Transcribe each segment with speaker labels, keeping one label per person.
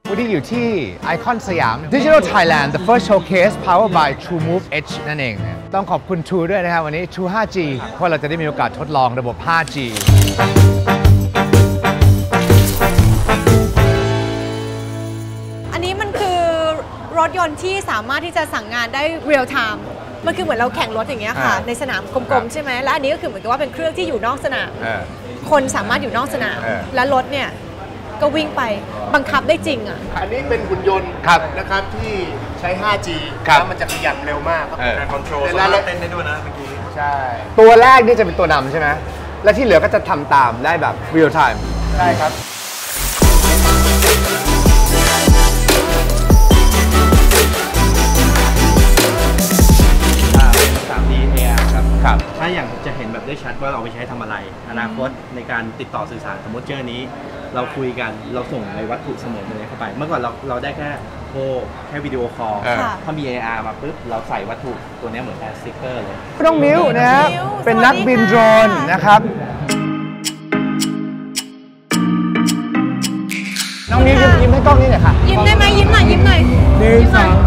Speaker 1: วันนี้อยู่ที่ไอคอนสยาม Digital Thailand the first showcase powered by TrueMove Edge นั่นเองต้องขอบคุณ True ด้วยนะครับวันนี้ True 5G เพราะเราจะได้มีโอกาสทดลองระบบ 5G
Speaker 2: อันนี้มันคือรถยนต์ที่สามารถที่จะสั่งงานได้ real time มันคือเหมือนเราแข่งรถอย่างเงี้ยค่ะในสนามกลมๆใช่ไหมและอันนี้ก็คือเหมือนกับว่าเป็นเครื่องที่อยู่นอกสนามคนสามารถอยู่นอกสนามและรถเนี่ยก็วิ่งไปบังคับได้จริงอ่ะ
Speaker 3: อันนี้เป็นหุ่นยนต์นะครับที่ใช้ 5G แล้วมันจะขยับเร็วมากครับการคอนโทรลแล้วเต้นได้ด้วยนะเมื่อกี้
Speaker 1: ใช่ตัวแรกนี่จะเป็นตัวนำใช่ไหมและที่เหลือก็จะทำตามได้แบบ real time
Speaker 3: ใช่ครับ
Speaker 4: ถ้าอย่างจะเห็นแบบได้ชัดว่าเราไปใช้ทำอะไรอนาคตในการติดต่อสื่อสารสมมติเจอนี้เราคุยกันเราส่งในวัตถุเสมือนเลยเข้าไปเมื่อก่อนเราได้แค่โทรแค่วิดีโอคอลถ้ามี AR มาปุ๊บเราใส่วัตถุตัวนี้เหมือนแอร์สติ๊กเกอร์เลย
Speaker 1: น้องมิ้วนะครับเป็นนักบินโดรนนะครับน้องมิ้วยิ้มให้กล้องนี้หน่อยค่ะ
Speaker 2: ยิ้มได้ไหมยิ้มหน่อยยิ้มหน่อย
Speaker 1: 1 2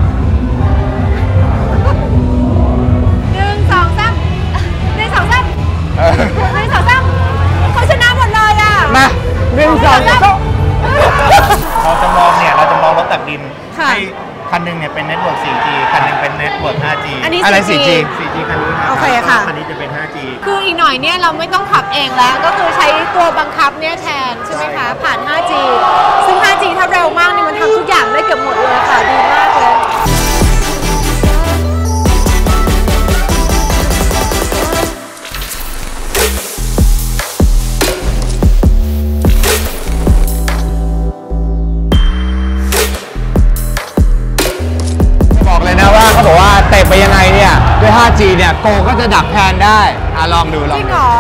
Speaker 2: เขาชนะหมดเลยอ่ะ
Speaker 1: มา1 2 3
Speaker 3: เราจะมองรถตักดินให้คันนึงเนี่ยเป็นเน็ตเวิร์ก 4G คันนึงเป็นเน็ตเวิร์ก 5G
Speaker 1: อะไร 4G
Speaker 3: คันนี้ครับ
Speaker 2: โอเคค่ะ
Speaker 3: คันนี้จะเป็น 5G
Speaker 2: คืออีกหน่อยเนี่ยเราไม่ต้องขับเองแล้วก็คือใช้ตัวบังคับเนี่ยแทนใช่ไหมคะผ่าน 5G ซึ่ง 5G ถ้าเร็วมากนี่มันทำทุกอย่างได้เกือบหมดเลยค่ะดีมากเลย
Speaker 1: เขาบอกว่าเตะไปยังไงเนี่ยด้วย 5G เนี่ยโกก็จะดักแทนได้ลองดู
Speaker 2: จริงเหรอ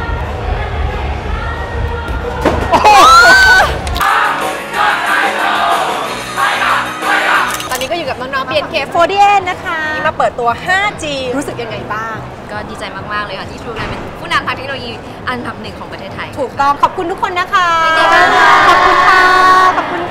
Speaker 2: ตอนนี้ก็อยู่กับน้องๆ BNK48 นะคะมาเปิดตัว 5G รู้สึกยังไงบ้าง
Speaker 5: ก็ดีใจมากๆเลยค่ะที่ True เป็นผู้นำทางเทคโนโลยีอันดับ 1ของประเทศไทย
Speaker 2: ถูกต้องขอบคุณทุกคนนะคะขอบคุณค่ะขอบคุณ